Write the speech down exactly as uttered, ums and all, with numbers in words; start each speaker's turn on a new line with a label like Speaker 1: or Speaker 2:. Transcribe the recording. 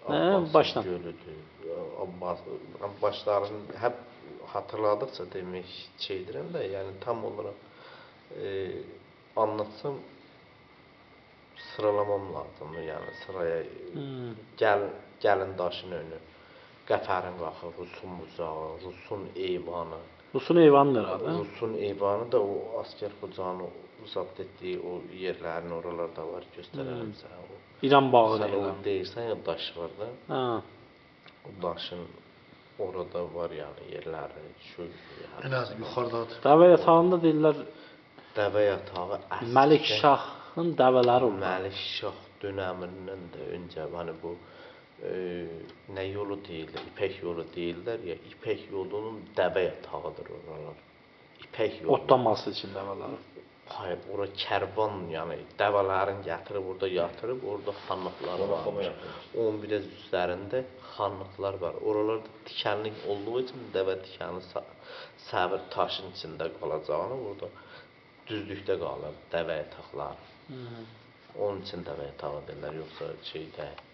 Speaker 1: Abbasın
Speaker 2: baştan.
Speaker 1: gölüdür. Abbas, Abbasların hep hatırladıkça demek şeydirəm də, yəni tam olarak e, anlatsam sıralamam lazımdır. Yəni sıraya
Speaker 2: Hmm.
Speaker 1: gəl, gəlin daşın önü, Qəfərin qaxı, Rusun bucağı, Rusun eyvanı.
Speaker 2: Rusun eyvanı herhalde.
Speaker 1: Rusun eyvanı da o asker Xocanın zapt etdiyi o yerlərin oralarda var, göstərərəm
Speaker 2: Hmm.
Speaker 1: sənə. O.
Speaker 2: İran bağı
Speaker 1: Sən o
Speaker 2: deyirəm.
Speaker 1: deyirsən ya daş var da.
Speaker 2: Ha.
Speaker 1: O daşın orada var yani yerləri, şu
Speaker 3: En az yukarıdadır.
Speaker 2: Dəvə yatağında deyirlər
Speaker 1: Dəvə yatağı əsl.
Speaker 2: Məlik Şahın dəvələri oldu.
Speaker 1: Məlik Şah dönəmindən də öncə hani bu e, nə yolu deyirlər, İpək yolu deyirlər ya, İpək yolunun dəvə yatağıdır oralar. İpək yolu.
Speaker 2: Otlaması için dəvələri.
Speaker 1: Hayır, ora kərvan, yəni dəvələrin gətirib orada yatırıb, orada xanlıqlar var. on biraz üzərində xanlıqlar var. Oralarda tikanlı olduğu üçün dəvə tikanı səbir taşın içində qalacağını orada düzlükdə qalır dəvə yataqları.
Speaker 2: Hmm.
Speaker 1: Onun üçün dəvə yatağı deyirlər, yoxsa şey deyil.